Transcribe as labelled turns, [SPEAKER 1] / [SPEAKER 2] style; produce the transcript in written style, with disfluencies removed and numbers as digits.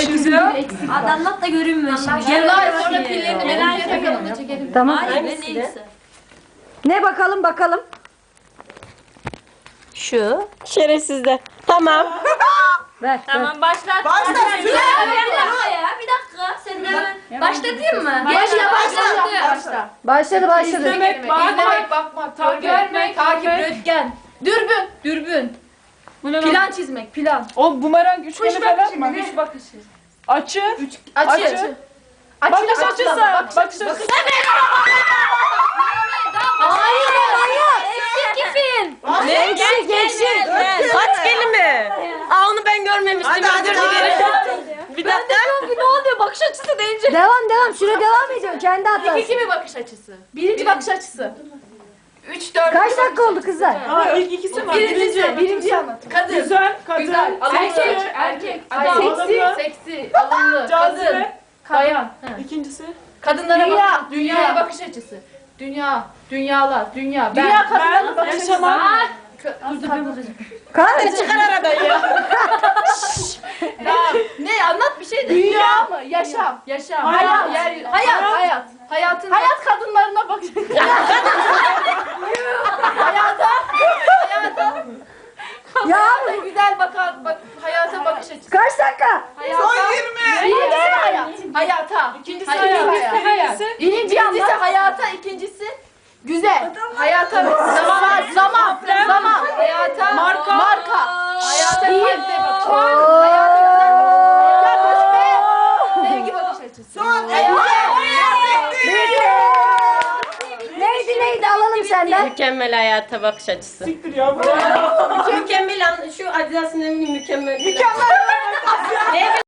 [SPEAKER 1] çiziyor.
[SPEAKER 2] Hadi anlat da görünmüyor şimdi.
[SPEAKER 3] Yıllar sonra pillerini melaneye takalım da çekelim.
[SPEAKER 4] Tamam.
[SPEAKER 2] Hayır ben neyse.
[SPEAKER 4] Ne bakalım.
[SPEAKER 5] Şu. Şerefsizde. Tamam.
[SPEAKER 4] Ver.
[SPEAKER 3] Tamam başlat.
[SPEAKER 1] Başla.
[SPEAKER 2] Bir dakika ya bir dakika. Sen de hemen başlatayım mı?
[SPEAKER 3] Başla.
[SPEAKER 4] Başladı.
[SPEAKER 3] İzlemek, bakmak, takip, röntgen. Dürbün. Plan çizmek, plan.
[SPEAKER 1] O bumerang üçgeni falan mı?
[SPEAKER 3] Üç bakışı.
[SPEAKER 1] Açı.
[SPEAKER 3] Açı.
[SPEAKER 1] Bakış açısı. Bakış açısı.
[SPEAKER 4] Hayır manyak.
[SPEAKER 5] Ne? Geçin. Kaç kelime? Aa onu ben görmemiştim. Özür dilerim. Bir dakika.
[SPEAKER 3] Ne oluyor bakış açısı deyince?
[SPEAKER 4] Devam. Süre devam ediyor. Kendi hatası.
[SPEAKER 3] İki mi bakış açısı? Birinci bakış açısı. 3, 4.
[SPEAKER 4] Kaç dakika oldu kızlar?
[SPEAKER 1] Aa ilk ikisi var.
[SPEAKER 3] Birinci anlat. Kadın.
[SPEAKER 1] Güzel. Kadın.
[SPEAKER 3] Güzel. Erkek. Adam.
[SPEAKER 1] Alımlı.
[SPEAKER 3] Seksi. Alımlı. Kadın.
[SPEAKER 1] Cazibe.
[SPEAKER 3] Bayan.
[SPEAKER 1] İkincisi.
[SPEAKER 3] Kadınlara bak. Dünyaya bakış açısı. Dünyalar. Dünya.
[SPEAKER 1] Dünya kadınların bakış açısı.
[SPEAKER 4] Kanka
[SPEAKER 5] Çıkar arabayı ya.
[SPEAKER 3] Ne anlat bir şey de.
[SPEAKER 1] Dünya
[SPEAKER 3] mı? Yaşam.
[SPEAKER 1] Hayat.
[SPEAKER 3] Hayat. Hayat kadınlarına bakış açısı.
[SPEAKER 4] ya
[SPEAKER 3] Güzel hayata bakış açısı.
[SPEAKER 4] kaç dakika?
[SPEAKER 1] Son 20.
[SPEAKER 3] Hayata.
[SPEAKER 1] İkincisi
[SPEAKER 3] Hayat.
[SPEAKER 1] hayat.
[SPEAKER 3] Birincisi hayata, ikincisi güzel. Hayata zaman. Hayata marka. Hayata kalite bakış açısı. Hayata güzel. Ya boş be. Sevgi bakış açısı.
[SPEAKER 1] Son
[SPEAKER 4] Neydi alalım senden.
[SPEAKER 5] Mükemmel hayata bakış açısı.
[SPEAKER 1] Siktir ya.
[SPEAKER 5] Mükemmel şu Adidas'ın mükemmel.
[SPEAKER 1] Mükemmel.
[SPEAKER 5] Ne